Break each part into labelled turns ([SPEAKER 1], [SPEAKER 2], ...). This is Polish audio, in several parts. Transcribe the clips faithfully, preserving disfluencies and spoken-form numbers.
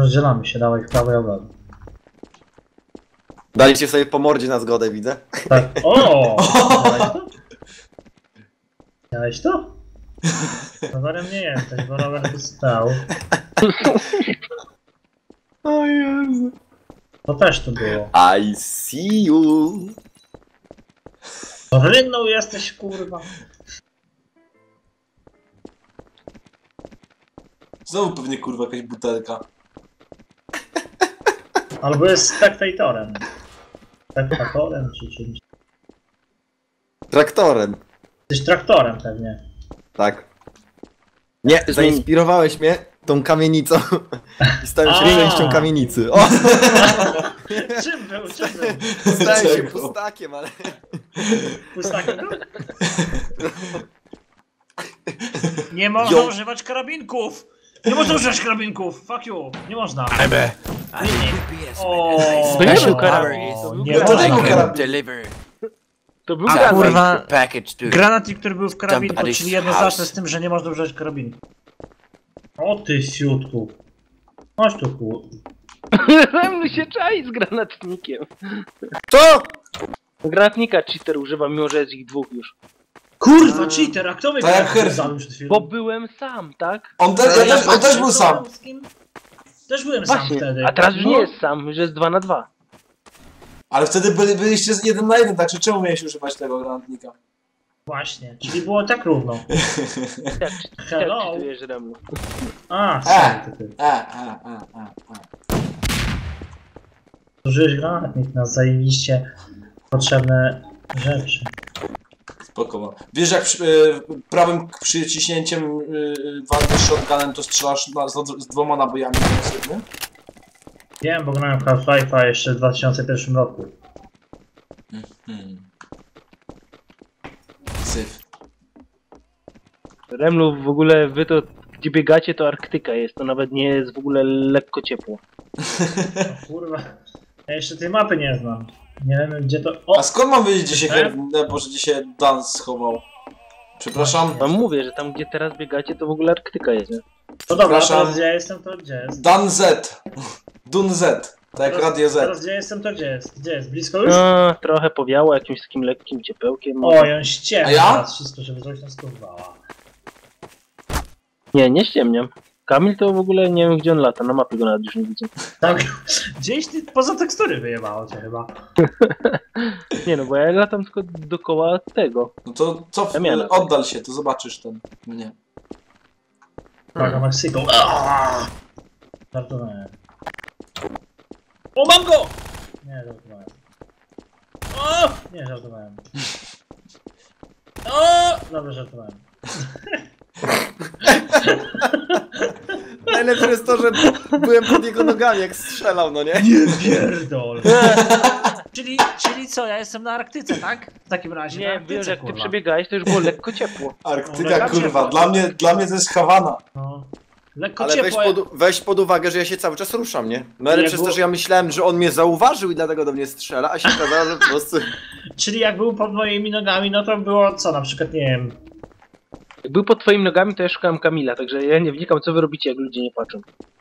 [SPEAKER 1] rozdzielamy się, dawaj w prawo i w lewo.
[SPEAKER 2] Daliście sobie po mordzie na zgodę, widzę.
[SPEAKER 1] Tak. O! Miałeś to? Miałeś to? Rowerem nie jesteś, bo rower tu stał.
[SPEAKER 2] O Jezu.
[SPEAKER 1] To też tu było.
[SPEAKER 2] I see you.
[SPEAKER 1] Rynną jesteś, kurwa.
[SPEAKER 3] Znowu pewnie kurwa jakaś butelka.
[SPEAKER 1] Albo jest spektatorem. Spektatorem czy czymś.
[SPEAKER 2] Traktorem.
[SPEAKER 1] Jesteś traktorem pewnie.
[SPEAKER 2] Tak. Nie, zainspirowałeś mnie tą kamienicą. I stałem się
[SPEAKER 1] A.
[SPEAKER 2] częścią kamienicy. O!
[SPEAKER 1] Czym był? Czym był?
[SPEAKER 2] Stałem się
[SPEAKER 3] Czego?
[SPEAKER 2] pustakiem, ale...
[SPEAKER 1] Pustakiem był? Nie można
[SPEAKER 2] Yo.
[SPEAKER 1] używać karabinków! Nie można używać karabinków! Fuck you! Nie można!
[SPEAKER 4] I'm a...
[SPEAKER 1] O,
[SPEAKER 5] To nie był
[SPEAKER 1] o,
[SPEAKER 5] karabin, to był
[SPEAKER 1] nie
[SPEAKER 3] granat.
[SPEAKER 1] można.
[SPEAKER 3] To był karabin.
[SPEAKER 4] deliver
[SPEAKER 5] To był
[SPEAKER 1] A,
[SPEAKER 5] granat.
[SPEAKER 1] kurwa.
[SPEAKER 4] package to
[SPEAKER 1] Granatnik, który był w karabinku,
[SPEAKER 4] Somebody's
[SPEAKER 1] czyli jednoznaczne
[SPEAKER 4] house.
[SPEAKER 1] z tym, że nie można używać karabinku. O ty siutku. Chodź tu ku.
[SPEAKER 5] Remlu się czai z granatnikiem.
[SPEAKER 2] Co?
[SPEAKER 5] Granatnika cheater używa, mimo że jest ich dwóch już.
[SPEAKER 1] Kurwa, cheater, a kto mnie
[SPEAKER 3] Tak jak
[SPEAKER 1] granatnik
[SPEAKER 3] Herfin.
[SPEAKER 1] zabił przed chwilą?
[SPEAKER 5] Bo byłem sam, tak?
[SPEAKER 3] On, te, ja też, on też był sam.
[SPEAKER 1] Z kim? Też byłem sam
[SPEAKER 5] Właśnie,
[SPEAKER 1] wtedy.
[SPEAKER 5] a teraz już
[SPEAKER 1] No.
[SPEAKER 5] nie jest sam, już jest dwa na dwa.
[SPEAKER 3] Ale wtedy byli, byliście z jeden na jeden, także czemu miałeś używać tego granatnika?
[SPEAKER 1] Właśnie, czyli było tak równo.
[SPEAKER 5] Jak, jak
[SPEAKER 1] Hello?
[SPEAKER 5] cheatujesz Remlu?
[SPEAKER 1] A,
[SPEAKER 3] E,
[SPEAKER 1] sorry, ty, ty.
[SPEAKER 3] e, e, e, e, e.
[SPEAKER 1] Zużyłeś granatnik na zajebiście potrzebne rzeczy.
[SPEAKER 3] Spoko. Wiesz jak przy, y, prawym przyciśnięciem y, walczysz shotgunem, to strzelasz na, z, z dwoma nabojami z jednym?
[SPEAKER 1] Wiem, bo grałem w Half-Life'a jeszcze w dwa tysiące pierwszym roku.
[SPEAKER 3] Hmm. Syf.
[SPEAKER 5] Remlu, w ogóle wy to, gdzie biegacie, to Arktyka jest, to nawet nie jest w ogóle lekko ciepło.
[SPEAKER 1] O kurwa. Ja jeszcze tej mapy nie znam. Nie wiem gdzie to... O!
[SPEAKER 3] A skąd mam wiedzieć, gdzie się
[SPEAKER 1] E?
[SPEAKER 3] Herb... Boże, gdzie się Dan schował? Przepraszam.
[SPEAKER 5] Wam mówię, że tam gdzie teraz biegacie, to w ogóle Arktyka jest, nie?
[SPEAKER 1] No dobra,
[SPEAKER 3] Przepraszam.
[SPEAKER 1] teraz gdzie ja jestem, to gdzie jest?
[SPEAKER 3] Dan Z. Dun Z. Tak jak Radio
[SPEAKER 1] Teraz
[SPEAKER 3] Z.
[SPEAKER 1] gdzie jestem, to gdzie jest? Gdzie jest? Blisko już?
[SPEAKER 5] No, trochę powiało jakimś takim lekkim ciepełkiem.
[SPEAKER 1] O, ją ściemnia
[SPEAKER 3] A ja?
[SPEAKER 1] teraz wszystko, żeby coś nas kurwała.
[SPEAKER 5] Nie, nie ściemniam. Kamil to w ogóle nie wiem gdzie on lata, na mapie go nawet już nie widzę.
[SPEAKER 1] Tak, gdzieś ty poza tekstury wyjebało cię chyba.
[SPEAKER 5] Nie no, bo ja latam tylko dookoła tego.
[SPEAKER 3] No to co?
[SPEAKER 5] Damiana.
[SPEAKER 3] Oddal się, to zobaczysz ten mnie.
[SPEAKER 1] Uwaga, Meksyku. Aaaa! Żartowałem. O, mam go! Nie, żartowałem. O! Nie, żartowałem. O! Dobra, żartowałem.
[SPEAKER 2] Najlepsze jest to, że byłem pod jego nogami, jak strzelał, no nie?
[SPEAKER 1] Nie pierdol. czyli, czyli co, ja jestem na Arktyce, tak? W takim razie na
[SPEAKER 5] Nie,
[SPEAKER 1] Arktyce,
[SPEAKER 5] wiesz, jak ty
[SPEAKER 1] kurwa.
[SPEAKER 5] przebiegałeś, to już było lekko ciepło.
[SPEAKER 3] Arktyka,
[SPEAKER 1] No,
[SPEAKER 3] kurwa.
[SPEAKER 1] ciepło.
[SPEAKER 3] Dla mnie, dla mnie to jest Hawana.
[SPEAKER 1] No. Lekko
[SPEAKER 2] Ale weź
[SPEAKER 1] ciepło.
[SPEAKER 2] pod, weź pod uwagę, że ja się cały czas ruszam, nie? No ale
[SPEAKER 1] Jak
[SPEAKER 2] przez
[SPEAKER 1] było-
[SPEAKER 2] to, że ja myślałem, że on mnie zauważył i dlatego do mnie strzela, a się okazało, że po prostu...
[SPEAKER 1] Czyli jak był pod moimi nogami, no to było co, na przykład, nie wiem.
[SPEAKER 5] Jak był pod twoimi nogami, to ja szukałem Kamila, także ja nie wnikam, co wy robicie, jak ludzie nie patrzą.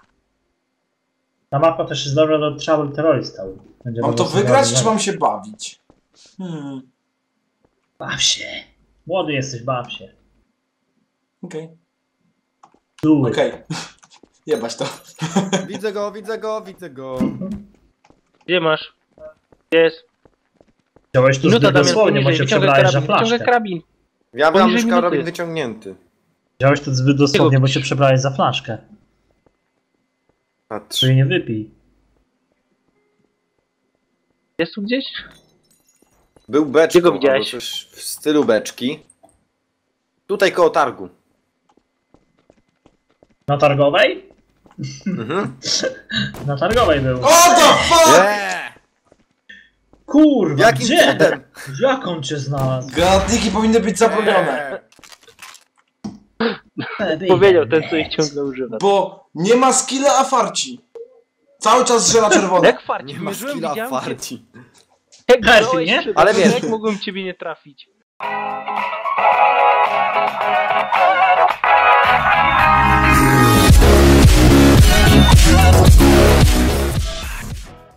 [SPEAKER 1] Ta mapa też jest dobra do Trouble Terrorista. Będzie
[SPEAKER 3] Mam to
[SPEAKER 1] dobra
[SPEAKER 3] wygrać,
[SPEAKER 1] zabawa.
[SPEAKER 3] czy mam się bawić? Hmm.
[SPEAKER 1] Baw się. Młody jesteś, baw się.
[SPEAKER 3] Okej.
[SPEAKER 1] Do it.
[SPEAKER 3] Okej. Jebać to.
[SPEAKER 2] Widzę go, widzę go, widzę go.
[SPEAKER 5] Gdzie masz? Jest.
[SPEAKER 1] Chciałeś tu
[SPEAKER 5] Minuta,
[SPEAKER 1] zbyt
[SPEAKER 5] Damian,
[SPEAKER 1] dosłownie, bo
[SPEAKER 5] poniżej,
[SPEAKER 1] się
[SPEAKER 5] wyciągaj
[SPEAKER 1] przebrałeś za
[SPEAKER 5] karabin, wyciągaj
[SPEAKER 1] flaszkę.
[SPEAKER 5] karabin.
[SPEAKER 2] Ja mam
[SPEAKER 5] Poniżej
[SPEAKER 2] już
[SPEAKER 5] minuty
[SPEAKER 2] karabin
[SPEAKER 5] jest.
[SPEAKER 2] wyciągnięty.
[SPEAKER 1] Chciałeś tu zbyt dosłownie, bo się przebrałeś za flaszkę.
[SPEAKER 2] Patrz.
[SPEAKER 1] Czyli nie wypij.
[SPEAKER 5] Jest tu gdzieś?
[SPEAKER 2] Był beczką,
[SPEAKER 5] Gdzie go
[SPEAKER 2] albo
[SPEAKER 5] widziałeś?
[SPEAKER 2] coś w stylu beczki. Tutaj koło targu.
[SPEAKER 1] Na targowej?
[SPEAKER 2] Mhm.
[SPEAKER 1] Na targowej był.
[SPEAKER 3] O the fuck!
[SPEAKER 2] Yeah!
[SPEAKER 1] Kurwa,
[SPEAKER 2] Jakim
[SPEAKER 1] gdzie?
[SPEAKER 2] cudem?
[SPEAKER 1] Jak on cię znalazł?
[SPEAKER 3] Granatniki powinny być zabronione.
[SPEAKER 5] Powiedział ten, co ich ciągle używa.
[SPEAKER 3] Bo nie ma skilla, a farci. Cały czas żela czerwona.
[SPEAKER 5] Jak farci,
[SPEAKER 2] Nie ma
[SPEAKER 5] mierzyłem,
[SPEAKER 2] skilla
[SPEAKER 5] widziałem cię.
[SPEAKER 2] farci.
[SPEAKER 5] Jak
[SPEAKER 1] Herfin,
[SPEAKER 5] grałeś
[SPEAKER 1] nie?
[SPEAKER 5] przede
[SPEAKER 2] Ale
[SPEAKER 5] mną,
[SPEAKER 2] wiesz-
[SPEAKER 5] Jak mogłem ciebie nie trafić?